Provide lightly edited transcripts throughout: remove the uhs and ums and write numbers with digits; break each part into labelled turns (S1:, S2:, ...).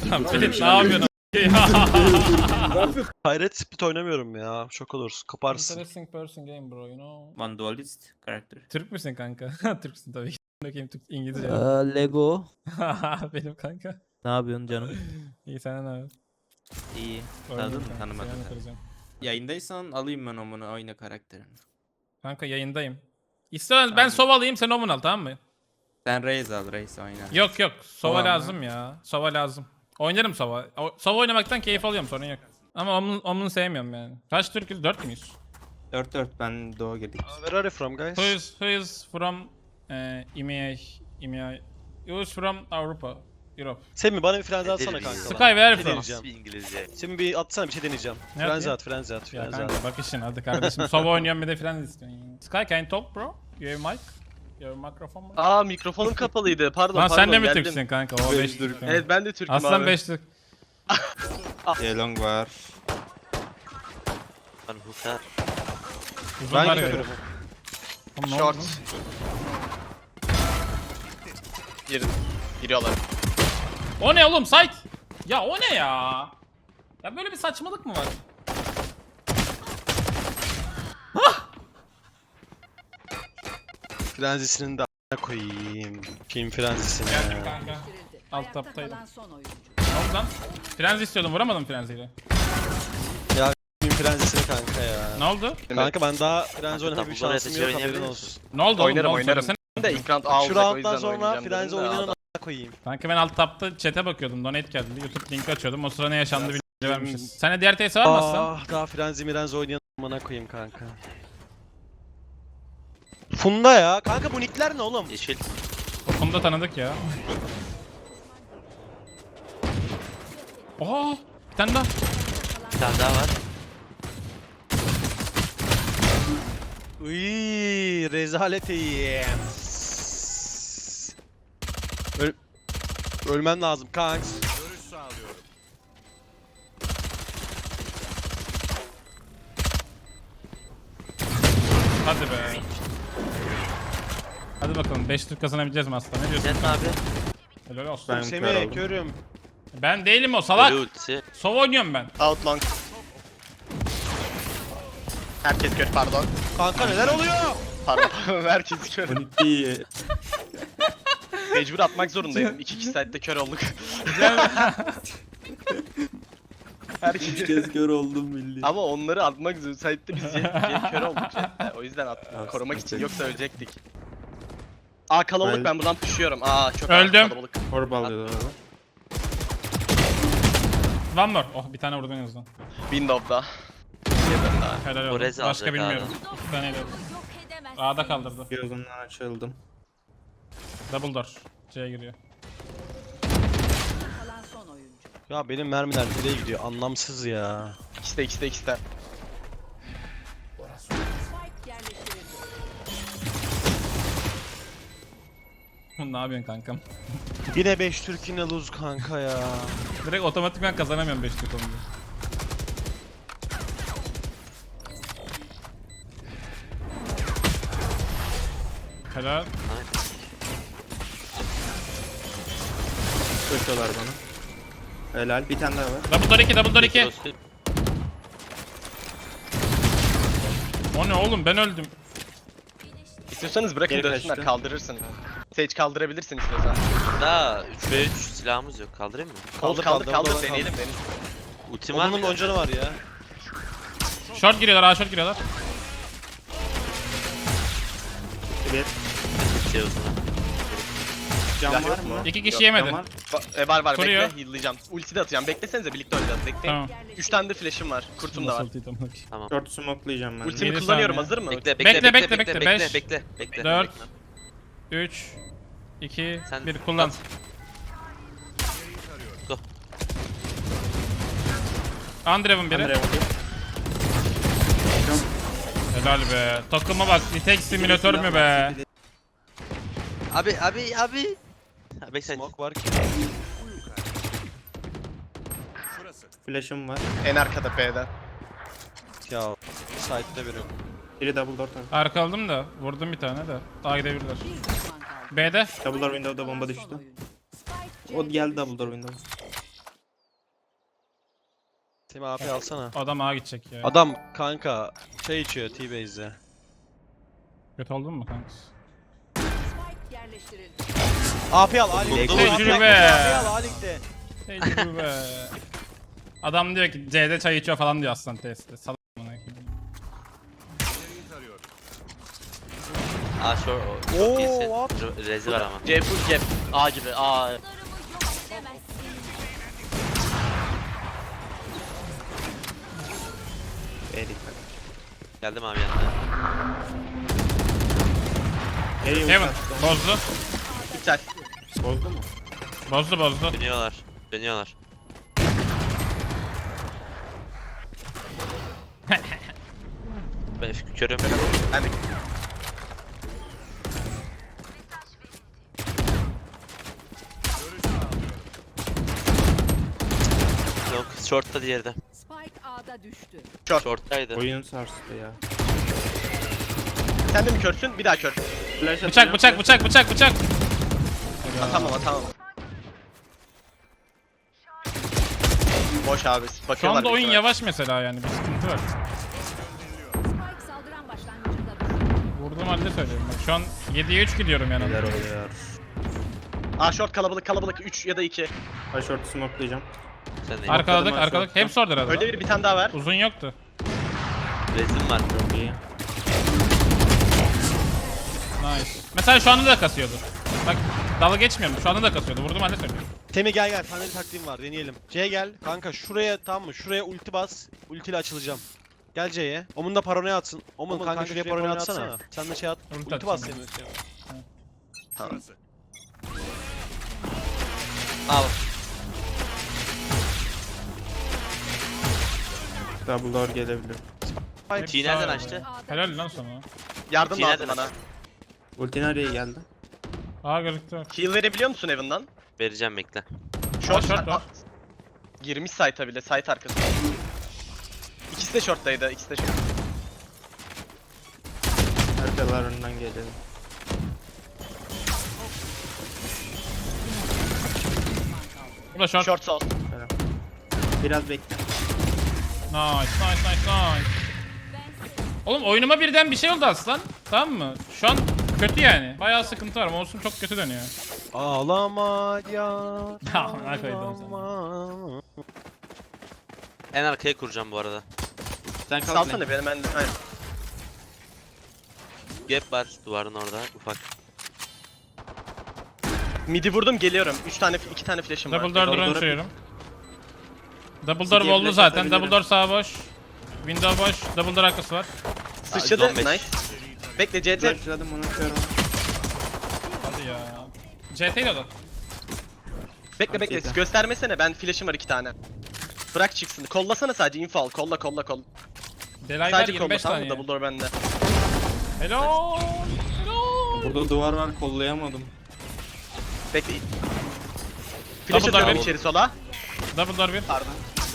S1: Ferit ne yapıyorsun?
S2: Hayret split oynamıyorum ya. Şok olursun. Kaparsın.
S1: Interesting person game bro, you know.
S3: One dualist character.
S1: Türk müsün kanka? Türksün tabii ki. Bakayım Türk İngilizce.
S4: Lego.
S1: Benim kanka.
S4: Ne yapıyorsun canım?
S1: İyi sen ne yapıyorsun?
S3: İyi.
S1: Oynuyorum
S3: Tanıdın mı?
S1: kanka,
S3: Tanımadın.
S1: selam
S3: Tabii.
S1: kıracağım.
S3: Yayındaysan alayım ben onu oyna karakterini.
S1: Kanka yayındayım. İstiyorsan ben Sova alayım sen Omun al tamam mı?
S3: Sen Raze al, Raze oyna.
S1: Yok yok Sova
S3: Sova mı?
S1: lazım ya. Sova lazım. Oynarım Sova. Sova oynamaktan keyif alıyorum sorun yok. Ama Omun'u sevmiyorum yani. Kaç Türk'üz? 4 müyüz?
S3: 4-4 ben Doğu girdik.
S2: Where are you from guys?
S1: Who is from EMEA? Who is from Avrupa? Europe.
S2: Semih bana bir frenzi atsana kanka.
S1: Sky where
S2: Bir
S1: from?
S2: deneyeceğim.
S5: İngilizce.
S2: Semih bir atsana bir şey deneyeceğim.
S1: Ne
S2: Frenzi
S1: yapayım?
S2: at, frenzi at,
S1: Ya
S2: frenzi
S1: kanka
S2: at.
S1: bak işin hadi kardeşim. Sova oynuyorum bir de falan istiyorsun. Yani. Sky can you talk bro? You have mic? You have microphone?
S6: Aa mikrofonum kapalıydı. Pardon
S1: Lan
S6: pardon.
S1: sen de mi
S6: geldim.
S1: Türksün kanka? O 5 Türk.
S6: Evet ben de Türk'üm
S1: Aslan
S6: abi.
S1: 5 Türk.
S3: Yelong var.
S5: Ben Hukar.
S1: Uzunlar
S2: Ben
S1: ya.
S2: görüyorum.
S1: Oğlum ne oldu
S6: Short.
S1: lan?
S6: Giriyorlar.
S1: O ne oğlum site? Ya o ne ya? Ya böyle bir saçmalık mı var?
S2: Frenzisinin de a**ına koyayım. Kim frenzisini?
S1: Geldim kanka. Alt taptaydım.
S7: Kalan son oyuncu.
S1: Ne oldu lan? Frenzi istiyordum vuramadım frenziyle.
S2: Kim frenzisini kanka ya.
S1: Ne oldu?
S2: Kanka ben daha frenzi oynamaya bir
S5: Bunları
S2: şansım yok
S5: yetiştirebilir
S2: haberin
S5: misin?
S2: olsun.
S1: Ne oldu oğlum?
S6: Oynarım
S1: Ne oldu?
S6: oynarım.
S1: Söylesene.
S6: Ben de ilk round A
S2: Şu
S6: olacak o
S2: rounddan
S6: yüzden
S2: sonra
S6: oynayacağım
S2: frenzi
S6: dedim de
S2: oynayanın
S6: adam.
S2: a**ına koyayım.
S1: Kanka ben alt tapta chat'e bakıyordum. Donate geldi. YouTube linki açıyordum. O sıra ne yaşandı bilgi vermişiz. Sen de diğer TS var mı Aslan?
S2: Ah daha frenzi mirenzi oynayanın a**ına koyayım kanka. Funda ya. Kanka bu nickler ne oğlum?
S5: Yeşil.
S1: Onu da tanıdık ya. Oha! Bir tane daha.
S5: Bir tane daha var.
S2: Uyyy rezalet yiyeyim. Ölmen lazım kanks.
S1: Hadi be. Hadi bakalım 5 Türk kazanabileceğiz mi Aslan? Ne diyorsun?
S5: Sen abi.
S1: Helal olsun.
S3: Ben kör
S2: Semih
S3: oldum.
S2: körüm.
S1: Ben değilim o salak.
S5: Ölü ultisi.
S1: Sova oynuyorum ben.
S6: Out long. Herkes kör pardon.
S2: Kanka neler oluyor?
S6: Pardon. Herkes kör.
S3: Ulti.
S6: Mecbur atmak zorundaydım. 2 saatte kör olduk. Herkes.
S3: kez kör oldum bildiğin.
S6: Ama onları atmak zorunda. Saatte biz kör olduk. Jetle. O yüzden attım. Korumak için yoksa ölecektik. Aa kalabalık ben buradan düşüyorum. Aa çok
S1: Öldüm.
S6: kalabalık.
S3: Orb alıyorlar orada.
S1: One more. Oh bir tane vurdun en azından.
S6: Window'da.
S1: Helal
S5: O
S1: olsun.
S5: rez
S1: Başka
S5: alacak
S1: bilmiyorum. Bir tane helal.
S7: Yok edemezsin.
S1: A'da kaldırdı.
S3: Gözümden açıldım.
S1: Double door. C'ye giriyor.
S7: Kalan son oyuncu.
S2: Ya benim mermiler nereye gidiyor? Anlamsız ya.
S6: İkisi de.
S7: Spike yerleştirildi.
S1: Ne yapıyorsun kankam?
S2: Yine 5 Türk yine lose kanka ya.
S1: Direkt otomatikman kazanamıyorum 5 Türk olunca. Helal.
S3: Koşuyorlar bana. Helal. Bir tane daha var.
S1: Double door 2, double door 2.
S5: Dostum.
S1: O ne oğlum ben öldüm.
S6: İstiyorsanız bırakın
S3: Geri
S6: dönsünler
S3: kaçtı.
S6: kaldırırsın. Sage kaldırabilirsin istiyorsan.
S5: Daha 3v3 silahımız yok. Kaldırayım mı?
S6: Kaldır deneyelim.
S5: Ultim var mı?
S2: Onun loncanı var ya.
S1: Short giriyorlar, A short giriyorlar.
S3: Bir.
S5: Şey o zaman.
S3: Cam
S6: Silah
S3: var
S6: yok
S3: mı?
S6: mu?
S1: 2 kişi
S6: Yok,
S1: yemedi.
S3: Cam var.
S6: Var
S1: Koruyor.
S6: bekle heal'layacağım. Ulti de atacağım. Beklesenize birlikte oynayacağız. Bekleyin.
S1: Tamam.
S6: 3 tane de flash'ım var. Kurtum da var.
S3: Short smoke'layacağım ben.
S6: Ultimi
S1: 7
S6: kullanıyorum
S1: saniye.
S6: hazır mı?
S5: Bekle
S1: Bekle,
S5: bekle
S1: bekle,
S5: bekle
S1: beş,
S5: bekle bekle.
S1: 4.
S5: Bekle.
S1: 3 2
S5: Sen
S1: 1 kullan.
S5: at. Go.
S1: Andrev'in biri.
S3: Nereye bakayım?
S1: Helal be. Takıma bak. Nitek simülatör mü be?
S5: Abi. Backside.
S2: Smoke var ki.
S3: Flash'ım var.
S6: En arkada B'de.
S2: Ya site'de biri.
S3: Biri double door tabii.
S1: Arka aldım da. Vurdum bir tane de. A gidebilirler.
S7: Bir düşman kaldı.
S1: B'de.
S3: Double door window'da bomba
S7: Son
S3: düştü.
S7: oyuncu. Spike
S3: O geldi double door window.
S2: Semih AP alsana.
S1: Adam ağa gidecek ya.
S2: Adam kanka şey içiyor T-Base'de.
S1: Kötü oldun mu kanka?
S7: Spike yerleştirildi.
S2: AP al Ali.
S1: Tecrübe.
S2: AP al Ali'de.
S1: Tecrübe. Adam diyor ki C'de çay içiyor falan diyor aslan testte. Salak amına koyayım.
S5: Aa şu
S2: Oo,
S5: çok iyisin.
S2: what?
S5: Rezi var ama.
S6: C full gap. A gibi. A.
S7: Dostlarımı yok edemezsin.
S3: B'ye dikkat.
S5: Geldim abi yanına.
S3: B'ye
S1: Heaven.
S3: uzattım.
S1: Bozdu.
S6: İptal.
S3: Bozdu mu?
S1: Bozdu.
S5: Dönüyorlar. Dönüyorlar. Ben körüm.
S6: Ben de
S5: Yok short'ta diğeri de.
S7: Spike A'da düştü.
S5: Short'taydı.
S3: Oyun sarstı ya.
S6: sen de mi körsün? Bir daha kör.
S3: Flash atacağım.
S1: Bıçak.
S6: Atamam. Boş abi.
S1: Şu
S6: Bakıyorlar.
S1: anda oyun
S6: büyük ihtimal.
S1: yavaş mesela yani bir sıkıntı var.
S7: Spike saldıran başlangıcında düştü.
S1: Vurduğum halde söylüyorum bak. Şu an 7'ye 3 gidiyorum yani.
S3: Neler oluyor?
S6: A short kalabalık 3 ya da 2.
S3: Ha short smoke'layacağım.
S5: Sen de.
S1: Arkaladık. Hepsi orada herhalde.
S6: Öyle bir tane daha var.
S1: Uzun yoktu.
S5: Rezim var.
S3: Çok iyi.
S1: Nice. Mesela şu anda da kasıyordu. Bak dalga geçmiyorum. Şu anda da kasıyordu. Vurduğum halde söylüyorum.
S2: Semih gel. Sana bir taktiğim var deneyelim. C'ye gel. Kanka şuraya tamam mı? Şuraya ulti bas. Ultiyle açılacağım. Gel C'ye. Omun da paranoya atsın. Omun kanka şuraya paranoya atsana. Sen de şey at.
S1: Ulti
S2: Ulti bas
S1: atacağım.
S2: Semih.
S6: Tamam. Al.
S3: Double door gelebilir.
S5: T nereden açtı?
S1: Helal lan sana.
S6: Yardım
S5: Yine
S6: lazım
S5: de-
S6: bana.
S3: Ulti nereye geldi?
S1: Aa gözüktü.
S6: Heal verebiliyor musun Evan'dan?
S5: Vereceğim bekle.
S6: Short,
S1: short var.
S6: Girmiş site'a bile, site arkası. İkisi de short'taydı, short.
S3: Arkalarından gelelim.
S1: Bu da short.
S6: Short sol.
S3: Biraz bekle.
S1: Nice. Oğlum oyunuma birden bir şey oldu aslan. Tamam mı? Şu an kötü yani. Bayağı sıkıntı var. Mouse'um çok kötü dönüyor.
S2: Ağlama ya.
S1: Amına koydum sana.
S2: ağlama.
S5: En arkaya kuracağım bu arada.
S3: Sen kalk.
S6: Salsana benim ben de. Aynen.
S5: Gap var duvarın orada ufak.
S6: Midi vurdum geliyorum. 2 tane flash'ım var.
S1: Double door
S3: Double
S1: drone
S3: door'a
S1: sürüyorum. Double door
S3: City'ye
S1: oldu
S3: flash
S1: zaten.
S3: atabilirim.
S1: Double door sağ boş. Window boş. Double door arkası var.
S6: Sıçradı.
S5: 15.
S6: Nice. Bekle CT.
S3: Flash'ladım onu körüm.
S1: Hadi ya. CT'yle o da.
S6: Bekle.
S3: CT.
S6: Göstermesene. Ben flash'ım var 2 tane. Bırak çıksın. Kollasana sadece info al. Kolla.
S1: Delay var
S6: Sadece kolla
S1: 25
S6: tamam mı?
S1: saniye.
S6: Double door bende.
S1: Hello.
S3: Burada duvar var kollayamadım.
S6: Bekle. Flash
S1: Double door
S6: atıyorum
S1: bir.
S6: içeri sola.
S1: Double door 1.
S6: Pardon.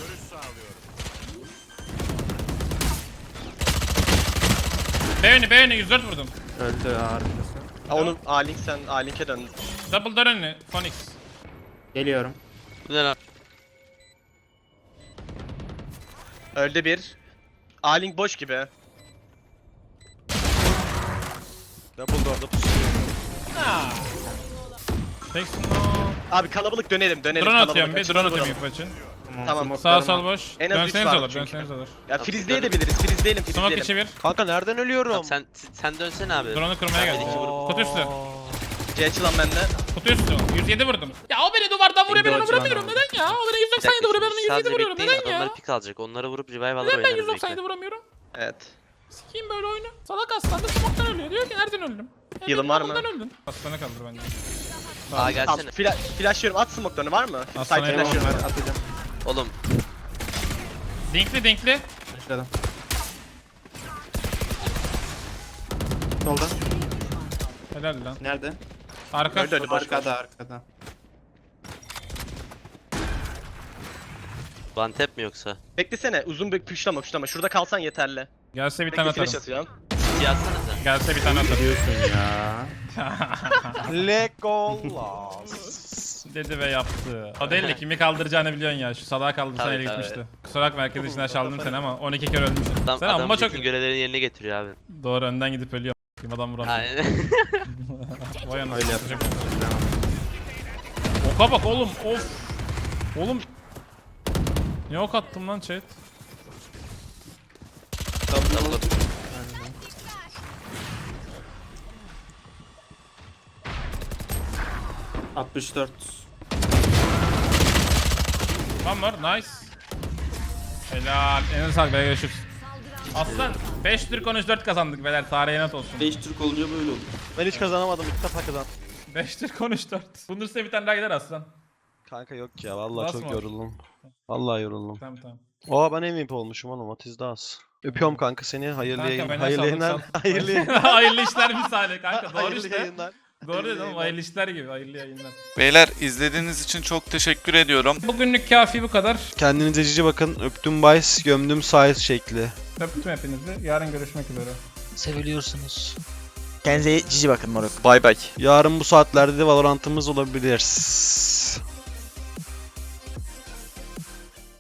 S1: B önü 104 vurdum.
S3: Öldü arkası.
S6: Onu A-Link sen A-Link'e dön.
S1: Double door önü. Phoenix.
S3: Geliyorum.
S5: Bu ne lan?
S6: Öldü bir. A-Link boş gibi.
S2: Double door'da pusuyor.
S1: Teksin o.
S6: Abi kalabalık dönelim
S1: Drone
S6: kalabalık.
S1: atıyorum bir.
S6: Açın,
S1: Drone
S6: vuralım.
S1: atayım ilk için.
S6: Tamam.
S1: Sağ
S3: smoke'larım
S1: sol
S3: var.
S1: boş.
S6: En az üç
S1: Dönseniz
S6: var
S1: olur.
S6: çünkü.
S1: Dönseniz olur.
S6: Ya freeze'leyebiliriz. Freeze'leyelim.
S1: Smoke içi bir.
S2: Kanka nereden ölüyorum?
S5: Tamam, sen dönsene abi.
S1: Drone'u kırmaya geldim.
S5: iki vurup-
S1: Kutu üstü.
S6: C açılan bende.
S1: Kutu üstü. 107 vurdum. Ya o beni duvardan vuruyor ben onu vuramıyorum. Neden ya? O beni 197 vuruyor ben onu 107
S5: Sadece
S1: vuruyorum.
S5: bekleyin,
S1: Neden ya?
S5: adamlar pick alacak. Onları vurup revive alır
S1: Neden ben
S5: oynarız
S1: 197
S5: bekle.
S1: vuramıyorum?
S6: Evet.
S1: Sikiyim böyle oyunu. Salak aslan da smoke'tan ölüyor. Diyor ki nereden öldüm?
S6: Heal'ın var mı?
S1: Nereden öldün? Aslanı kaldır bence.
S5: Aa
S6: Tamam,
S5: gelsene.
S6: flashlıyorum. At smoke'larını var mı?
S1: Aslan
S6: Side
S1: eyvallah.
S6: flashlıyorum.
S3: Ben atacağım.
S5: Oğlum
S1: Dinkli.
S3: Başladım. Solda.
S1: Helal lan.
S3: Nerede?
S1: Arka.
S6: Öldü, öldü. Boş,
S3: Arkada.
S5: one tap mi yoksa?
S6: Beklesene. Uzun bir puşlama. Şurada kalsan yeterli.
S1: Gelse bir tane
S6: Bekle flash
S1: atarım.
S6: atıyorum.
S5: City atsanıza.
S1: Gelse bir tane atarım.
S3: Diyorsun ya.
S2: Legolas.
S1: Dedi ve yaptı. O değil de kimi kaldıracağını biliyorsun ya. Şu salağı kaldırsan
S5: Tabii,
S1: ele
S5: tabii.
S1: gitmişti. Kusura bakma herkes içinden çaldım seni ama 12 kere ölmüşsün.
S5: Adam,
S1: Sen
S5: adam
S1: amma çok...
S5: bütün görevlerini yerine getiriyor abi.
S1: Doğru önden gidip ölüyor. Adam vuramıyor.
S5: Aynen.
S1: Vay anasını.
S3: Öyle yapacak.
S1: Oka bak oğlum of. Oğlum. Ne ok attım lan chat?
S5: Double up.
S3: 64.
S1: One more nice. Helal. Eline sağlık beyler görüşürüz. Aslan 5 Türk 13-4 kazandık beyler tarihe not olsun.
S3: 5 Türk olunca böyle oldu.
S2: Ben hiç kazanamadım. İlk defa kazandım.
S1: 5 Türk 13-4. Bunun üstüne bir tane daha gider aslan.
S2: Kanka yok ya. Vallahi
S1: Nasıl
S2: çok
S1: mı?
S2: yoruldum. Vallahi yoruldum.
S1: Tamam tamam.
S2: Oha ben MVP olmuşum oğlum. What is that? Öpüyorum kanka seni. Hayırlı
S1: Kanka,
S2: yayın.
S1: bana
S2: Hayırlı
S1: sağlık,
S2: yayınlar.
S1: sağlık.
S2: Hayırlı yayınlar.
S1: Hayırlı işler misali kanka doğru
S2: Hayırlı
S1: işte.
S2: yayınlar.
S1: Doğru dedim oğlum hayırlı işler gibi hayırlı yayınlar.
S4: Beyler izlediğiniz için çok teşekkür ediyorum.
S1: Bugünlük kafi bu kadar.
S2: Kendinize cici bakın. Öptüm Bice, gömdüm Size şekli.
S1: Öptüm hepinizi. Yarın görüşmek üzere.
S8: Seviliyorsunuz. Kendinize cici bakın moruk.
S4: Bay bay.
S2: Yarın bu saatlerde de Valorant'ımız olabilir.